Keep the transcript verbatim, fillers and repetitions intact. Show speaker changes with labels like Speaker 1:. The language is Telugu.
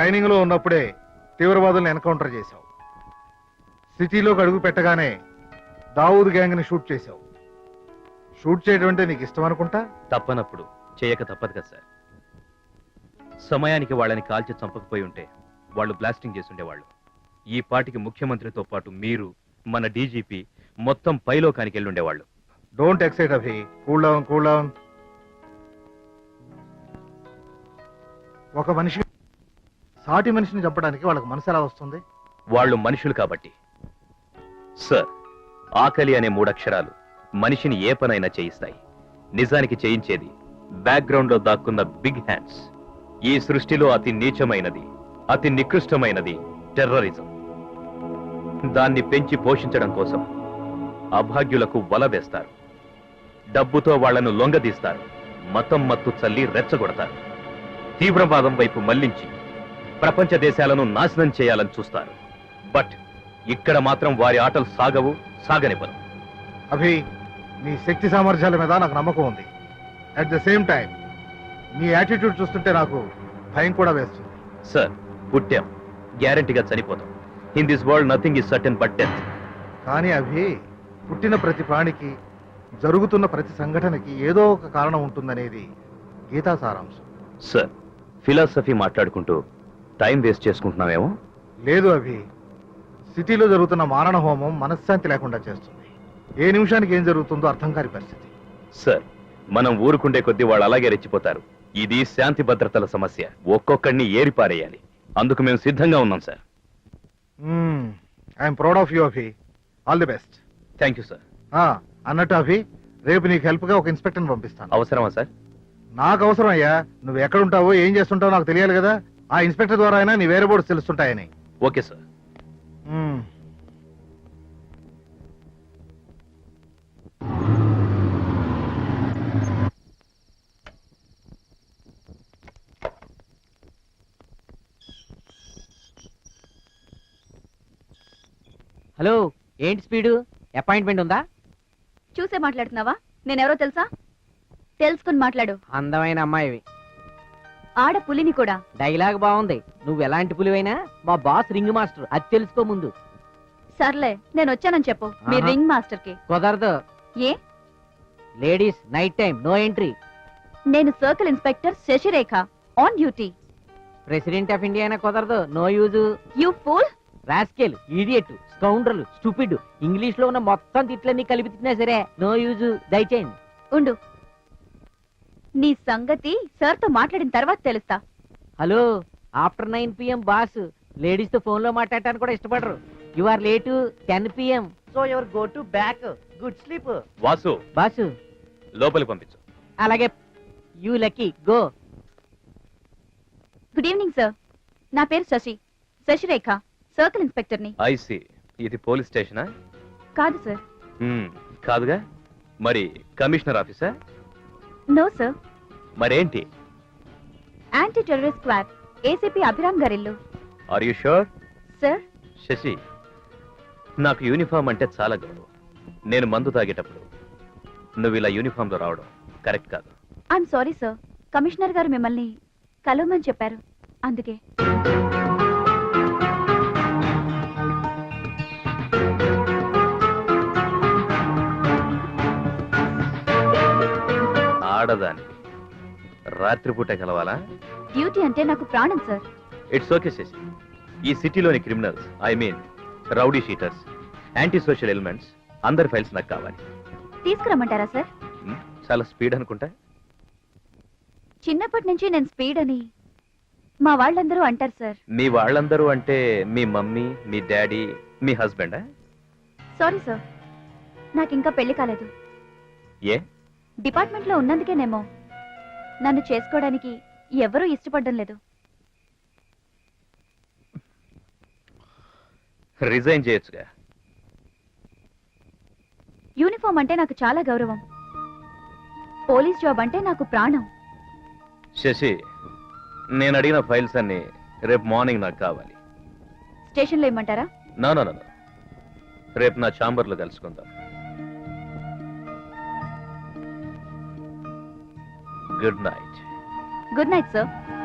Speaker 1: ట్రైనింగ్ లో ఉన్నప్పుడే తీవ్రవాదులను ఎన్కౌంటర్ చేశావు. సిటీలోకి అడుగు పెట్టగానే దావూద్ గ్యాంగ్ ని షూట్ చేశావు. షూట్ చేయడం అంటే నీకు ఇష్టం అనుకుంటా.
Speaker 2: తప్పనప్పుడు చేయక తప్పదు కదా సార్. సమయానికి వాళ్ళని కాల్చి చంపకపోయి ఉంటే వాళ్ళు బ్లాస్టింగ్ చేసి ఉండేవాళ్ళు. ఈ పాటికి ముఖ్యమంత్రితో పాటు మీరు, మన డీజీపీ మొత్తం పైలోకానికి వెళ్ళి ఉండేవాళ్ళు.
Speaker 1: Don't excite Abhi. Cool down cool down. ఒక మనిషి సాటి మనిషిని చంపడానికి వాళ్ళకి మనసు ఎలా వస్తుంది?
Speaker 2: వాళ్ళు మనుషులు కాబట్టి సార్. ఆకలి అనే మూడక్షరాలు మనిషిని ఏ పనైనా చేయిస్తాయి. నిజానికి చేయించేది బ్యాక్గ్రౌండ్ లో దాక్కున్న బిగ్ హ్యాండ్స్. ఈ సృష్టిలో అతి నీచమైనది, అతి నికృష్టమైనది టెర్రరిజం. దాన్ని పెంచి పోషించడం కోసం అభాగ్యులకు వల వేస్తారు. డబ్బుతో వాళ్లను లొంగదీస్తారు. మతం మత్తు చల్లి రెచ్చగొడతారు. తీవ్రవాదం వైపు మళ్లించి ప్రపంచ దేశాలను నాశనం చేయాలని చూస్తారు. బట్ ఇక్కడ మాత్రం వారి ఆటలు సాగవు, సాగనివ్వరు.
Speaker 1: అభి, నీ శక్తి సామర్థ్యాల మీద నాకు నమ్మకం ఉంది. అట్ ద సేమ్ టైం నీ యాటిట్యూడ్ చూస్తుంటే నాకు భయం కూడా వేస్తుంది.
Speaker 2: సార్, పుట్టాం, గ్యారంటీగా చనిపోతాం. In this world nothing is certain but death.
Speaker 1: కానీ అభి, పుట్టిన ప్రతి ప్రాణికి, జరుగుతున్న ప్రతి సంఘటనకి ఏదో ఒక కారణం ఉంటుందనేది గీతా సారాంశం.
Speaker 2: సార్, ఫిలాసఫీ మాట్లాడుకుంటూ టైం వేస్ట్ చేసుకుంటున్నామేమో.
Speaker 1: లేదు అభి, సిటీలో జరుగుతున్న మారణ హోమం మనశ్శాంతి లేకుండా చేస్తుంది. ఏ నిమిషానికి ఏం జరుగుతుందో అర్థం కాని పరిస్థితి.
Speaker 2: సార్, మనం ఊరుకుండే కొద్దీ వాళ్ళు అలాగే రెచ్చిపోతారు. ఇది శాంతి భద్రతల సమస్య. ఒక్కొక్కడిని ఏరిపారేయాలి. అందుకు మేము సిద్ధంగా ఉన్నాం sir.
Speaker 1: I'm proud of you Abhi. All the best.
Speaker 2: Thank you sir.
Speaker 1: అన్నట్టు అభి, రేపు నీకు హెల్ప్ గా ఒక ఇన్స్పెక్టర్ పంపిస్తాను.
Speaker 2: అవసరమా సార్?
Speaker 1: నాకు అవసరం అయ్యా. నువ్వు ఎక్కడుంటావో, ఏం చేస్తుంటావో నాకు తెలియాలి కదా. ఆ ఇన్స్పెక్టర్ ద్వారా అయినా నీ వేరే బోర్డ్స్ తెలుస్తుంటాయని.
Speaker 2: Okay sir.
Speaker 3: హలో, ఏంటి స్పీడు? అపాయింట్మెంట్ ఉందా?
Speaker 4: చూసే మాట్లాడుతున్నావా? నేనెవరో తెలుసా? తెలుసుకుని మాట్లాడు.
Speaker 3: అందమైన అమ్మాయివి.
Speaker 4: ఆడ పులిని కూడా.
Speaker 3: డైలాగ్ బాగుంది. నువ్వు ఎలాంటి పులివైనా మా బాస్ రింగ్ మాస్టర్, అది తెలుసుకో ముందు.
Speaker 4: సర్లే, నేను వచ్చానని చెప్పు మీ రింగ్ మాస్టర్ కి.
Speaker 3: కుదరదు.
Speaker 4: ఏ?
Speaker 3: Ladies night time no entry.
Speaker 4: నేను circle inspector Sasirekha, on duty.
Speaker 3: President of India అయినా కుదరదు. No use.
Speaker 4: You fool.
Speaker 3: Rascal, idiot, scoundrel, stupid, English లో ఉన్న మొత్తం తిట్లన్నీ కలిపి తిట్టినా సరే నో యూజ్. దయచేయండి.
Speaker 4: ఉండు, నీ సంగతి సార్ తో మాట్లాడిన తర్వాత తెలుస్తా.
Speaker 3: Hello, after nine PM boss ladies తో ఫోన్ లో మాట్లాడటానికి కూడా ఇష్టపడరు. You are late ten PM, so your go to back. Good sleep.
Speaker 2: Vasu,
Speaker 3: boss
Speaker 2: లోపలికి పంపించు.
Speaker 3: అలాగే. You lucky, go.
Speaker 4: Good evening sir. నా పేరు శశి, శశిరేఖ, సర్కిల్ ఇన్స్పెక్టర్ ని.
Speaker 2: ఐసి, ఇది పోలీస్ స్టేషనా?
Speaker 4: కాదు సార్.
Speaker 2: కాదుగా, మరి కమిషనర్ ఆఫీసా?
Speaker 4: No sir.
Speaker 2: మరేంటి?
Speaker 4: Anti terrorist squad, ACP Abhiram గారిల్లు.
Speaker 2: Are you sure?
Speaker 4: Sir.
Speaker 2: Shashi, నాకు యూనిఫామ్ అంటే చాలా గౌరవం. నేను మందు తాగేటప్పుడు నువ్వు ఇలా యూనిఫామ్ లో రావడం కరెక్ట్ కాదు.
Speaker 4: I'm sorry sir. కమిషనర్ గారు మిమ్మల్ని కలవమని చెప్పారు, అందుకే.
Speaker 2: ఆడదాని రాత్రిపూట కలవాలా?
Speaker 4: డ్యూటీ అంటే నాకు ప్రాణం సార్.
Speaker 2: It's okay Sasi. ఈ సిటీలోని criminals, I mean rowdy sheeters, anti social elements అందరి ఫైల్స్ నాకు కావాలి.
Speaker 4: తీసుకురమ్మంటారా సార్?
Speaker 2: చాలా స్పీడ్ అనుకుంటా.
Speaker 4: చిన్నప్పటి నుంచి నేను స్పీడ్ అని మా వాళ్ళందరూ అంటారు సార్.
Speaker 2: మీ వాళ్ళందరూ అంటే మీ మమ్మీ, మీ డాడీ, మీ హస్బెండా?
Speaker 4: సారీ సార్, నాకు ఇంకా పెళ్లి కాలేదు.
Speaker 2: ఏ?
Speaker 4: డిపార్ట్మెంట్ లో ఉన్నందుకేనేమో నన్ను చేసుకోవడానికి ఎవరూ ఇష్టపడడం లేదు.
Speaker 2: రిజైన్ చేయొచ్చుగా.
Speaker 4: యూనిఫామ్ అంటే నాకు చాలా గౌరవం. పోలీస్ జాబ్ అంటే నాకు ప్రాణం.
Speaker 2: శశి, నేను అడిగిన ఫైల్స్ అన్ని రేపు మార్నింగ్ నాకు కావాలి.
Speaker 4: స్టేషన్లో ఇమ్మంటారా?
Speaker 2: నో నో నో, రేపు నా ఛాంబర్లో కలుసుకుందాం. Good night.
Speaker 4: Good night sir.